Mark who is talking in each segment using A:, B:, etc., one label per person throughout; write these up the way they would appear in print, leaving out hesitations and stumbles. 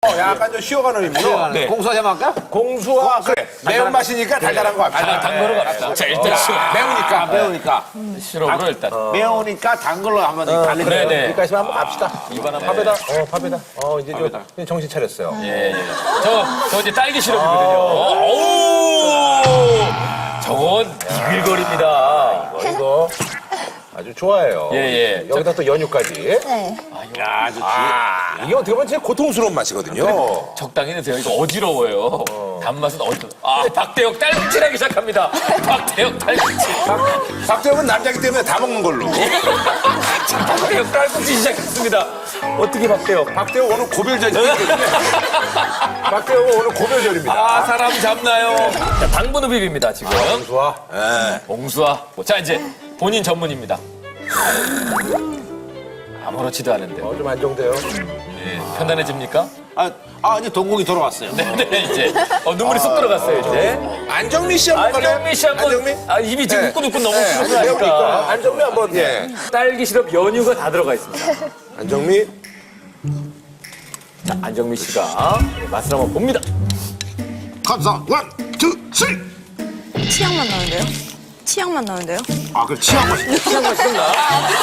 A: 약간 좀 쉬어가는 의미로.
B: 네.
C: 공수화 좀 할까?
A: 공수와 그래. 매운맛이니까 달달한 거 합시다.
B: 단 거로 갑시다. 자, 일단
A: 매우니까.
C: 매우니까.
B: 시럽으로 일단.
C: 매우니까 단 걸로 한번 달리자.
B: 네네.
A: 여기까지 한번 갑시다.
B: 이번 한번.
A: 밥에다. 밥에다. 이제 좀 정신 차렸어요.
B: 예, 예. 저 이제 딸기 시럽이거든요. 오! 저건 비빌거립니다.
A: 이거 아주 좋아해요.
B: 예, 예.
A: 여기다 또 연유까지.
D: 네.
B: 야, 좋지.
A: 이게 어떻게 보면 제일 고통스러운 맛이거든요.
B: 적당히 드세요. 이거 어지러워요. 단맛은 박대혁 딸꾹질하기 시작합니다. 박대혁 딸꾹질.
A: 박대혁은 남자기 때문에 다 먹는 걸로.
B: 박대혁 딸꾹질 시작했습니다. 어떻게 박대혁?
A: 박대혁 오늘 고별절이기 때문에. 박대혁은 오늘 고별절입니다.
B: 아, 사람 잡나요? 자, 당분 흡입입니다, 지금.
A: 좋아. 예.
B: 봉수와. 자, 이제 본인 전문입니다. 아무렇지도 않은데.
A: 좀 안정돼요.
B: 예, 편안해집니까?
C: 이제 동공이 돌아왔어요.
B: 네, 이제. 눈물이 쏙 들어갔어요, 이제.
A: 안정미 씨 한번 갈래요?
B: 안정미 씨 한번.
A: 안정미?
B: 입이 지금 후끈후끈 너무
A: 네,
B: 후끈하니까.
A: 배우니까. 안정미 한번. 예.
B: 딸기 시럽 연유가 다 들어가 있습니다.
A: 안정미.
B: 자, 안정미 씨가 맛을 한번 봅니다.
C: 감사. 원, 투, 쓰리.
D: 치약만 나는데요? 치약만 나는데요?
C: 그래 치약 맛이.
B: 시간 맛있나?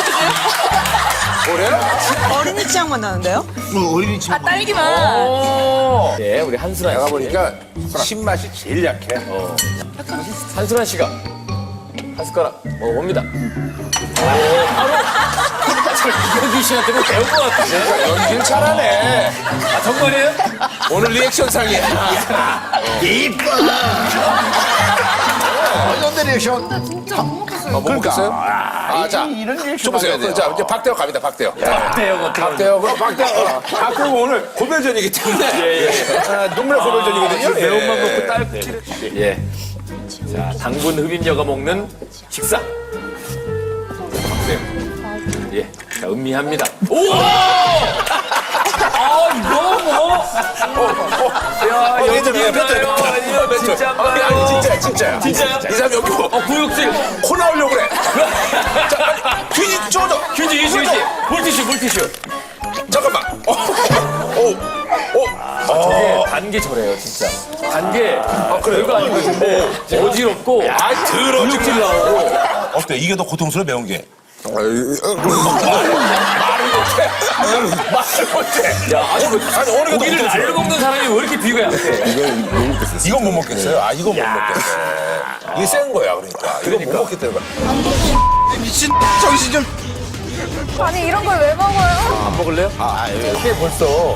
D: 어린이 치약만 나는데요?
C: 어린이 친구.
D: 딸기만.
B: 네, 우리 한순환 씨.
A: 내가 보니까 신맛이 제일 약해.
B: 한순환 씨가 한 숟가락 먹어봅니다. 바로 이경규 씨한테 뭐 배운 것 같은데?
A: 연기를 잘하네.
B: 아, 정말이에요?
A: 오늘 리액션상이야.
C: 이뻐. 어떤 리액션?
D: 진짜 못 먹겠어요.
A: 못 먹겠어요? 자,
C: 이런 리액션
A: 줘보세요.
C: 하게 돼요.
A: 자, 이제 박대혁 갑니다, 박대혁.
B: 박대혁 어떻게
A: 박대혁은 오늘 고별전이기 때문에. 눈물의 고별전이거든요.
B: 매운맛 먹고 딸꾹질을. 예. 자, 당분 흡입녀가 먹는 식사. 박대혁. 예. 자, 음미합니다. 우와! 이거 뭐? 야, 연기인가요? 아니요, 진짜인가요?
A: 아니, 진짜야.
B: 진짜요?
A: 이 사람 여기 뭐,
B: 구육질.
A: 코 나오려고 그래. 자, 빨리, 귀지 쪼져.
B: 휴지. 물티슈.
A: 잠깐만.
B: 저게 단게 저래요, 진짜. 단게 별거 아니고 근데 어지럽고
A: 더러워질
B: 나오고.
A: 어때? 이게 더 고통스러워, 매운 게? 말을 못해.
B: 야, 아니
A: 어느 게
B: 고기를
A: 더
B: 날로 먹는 사람이 왜 이렇게 비가 약해?
A: 이건 못 먹겠어요? 이건 못 먹겠네. 이게 센 거야, 그러니까. 이건 못 먹겠다는 거야. 미친 정신 좀.
D: 아니 이런 걸 왜 먹어요?
B: 안 먹을래요?
A: 이게 벌써.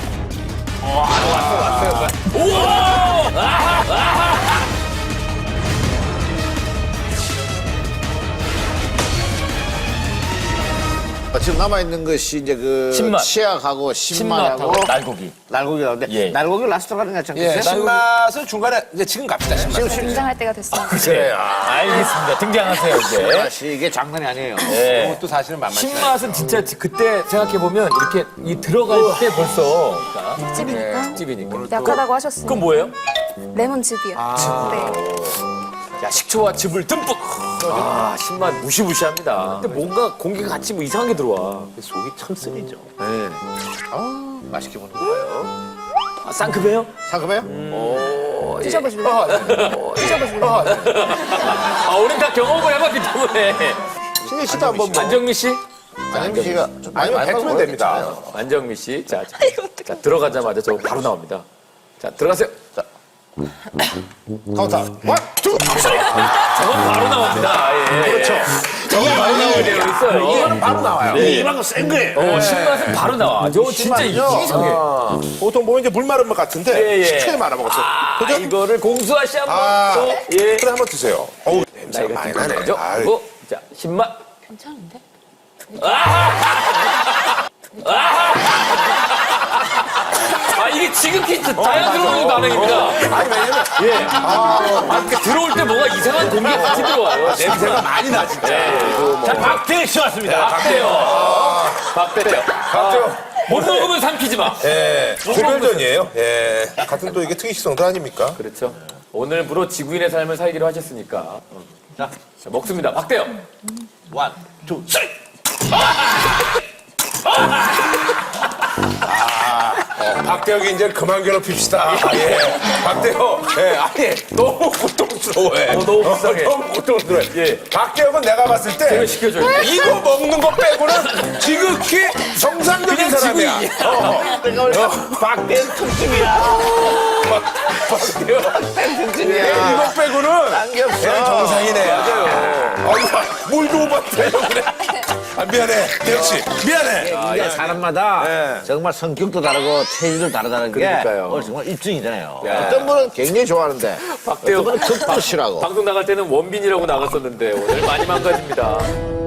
C: 지금 남아있는 것이 이제 그
B: 신맛.
C: 치약하고 신맛하고
B: 날고기.
C: 날고기 나오는데
B: 예.
C: 날고기 라스트 가는 게
A: 예,
C: 괜찮겠어요?
A: 신맛은 중간에 이제 지금 갑시다, 신맛.
D: 등장할 때가 됐어요.
B: 그래. 알겠습니다. 등장하세요, 이제.
C: 맛이 이게 장난이 아니에요.
B: 예.
A: 이것도 사실은 만만치 않아요.
B: 신맛은 진짜 그때 생각해보면 이렇게 이 들어갈 때 벌써
D: 집이니까.
B: 집이니까.
D: 약하다고 하셨으니.
B: 그건 뭐예요?
D: 레몬즙이요. 네.
B: 야, 식초와 즙을 듬뿍. 신맛 무시무시합니다. 근데 뭔가 공기가 같이 뭐 이상하게 들어와.
C: 속이 참 쓰리죠.
B: 네.
C: 맛있게 먹는 거예요.
B: 쌍크배요?
C: 상큼해요?
D: 드셔보실래요? 드셔보실래요?
B: 우린 다 경험을 해봤기 때문에.
C: 신혜 씨도 한번 뭐.
B: 안정미 씨?
C: 안정미 씨가
A: 아니면 뱉으면 됩니다.
B: 안정미 씨. 자, 들어가자마자 저 바로 나옵니다. 자, 들어가세요. 자,
C: 카운터. 원, 투, 쓰리.
B: 저건 바로 나옵니다. 예. 그렇죠. 저건 바로 나오게 되어 있어요.
A: 이거는 바로 나와요.
C: 이만큼 센 거예요.
B: 신맛은 바로 나와. 저거 진짜 이상해.
A: 보통 보면 이제 물 마른 것 같은데
B: 예.
A: 식초에 말아 먹었어요. 그죠?
B: 이거를 공수아 씨 한번 또. 예.
A: 그래 한번 드세요. 어우, 냄새가
B: 나이가
A: 많이
B: 좀
A: 나네.
B: 나죠?
A: 아유.
B: 그리고 자, 신맛.
D: 괜찮은데?
B: 이게 지극히 자연스러운 반응입니다.
A: 아니, 왜냐면
B: 이렇게 들어올 때 뭔가 이상한 공기가 같이 들어와요.
A: 냄새가 많이 나, 진짜.
B: 자, 박태혁 씨 왔습니다. 박태혁. 못 먹으면 삼키지 마.
A: 예, 고별전이에요. 예, 같은 또 이게 특이식성도 아닙니까?
B: 그렇죠. 오늘부로 지구인의 삶을 살기로 하셨으니까. 자, 먹습니다. 박태혁.
C: 원, 투, 쓰리.
A: 박대혁이 이제 그만 괴롭힙시다. 예. 박대혁, 예, 아니, 너무 고통스러워해.
B: 너무 불쌍해.
A: 너무 고통스러워해.
B: 예.
A: 박대혁은 내가 봤을 때
B: 제가 시켜줘요.
A: 이거 먹는 거 빼고는 지극히 정상적인
B: 그냥
A: 사람이야.
B: 지구인이야.
C: 박대현 특집이야.
A: 박대혁.
C: 특집이야.
A: 이거 빼고는
C: 딴게 없어.
A: 그냥 정상이네. 맞아요. 물도 못 받대요, 그래. 아, 미안해. 대혁 씨. 미안해.
C: 이게 사람마다
A: 예.
C: 정말 성격도 다르고 체질도 다르다는 게
B: 그러니까요.
C: 오늘 정말 입증이잖아요. 어떤 분은 굉장히 좋아하는데
B: 박대혁
C: 어떤 분은 극도 싫어하고.
B: 방송 나갈 때는 원빈이라고 나갔었는데 오늘 많이 망가집니다.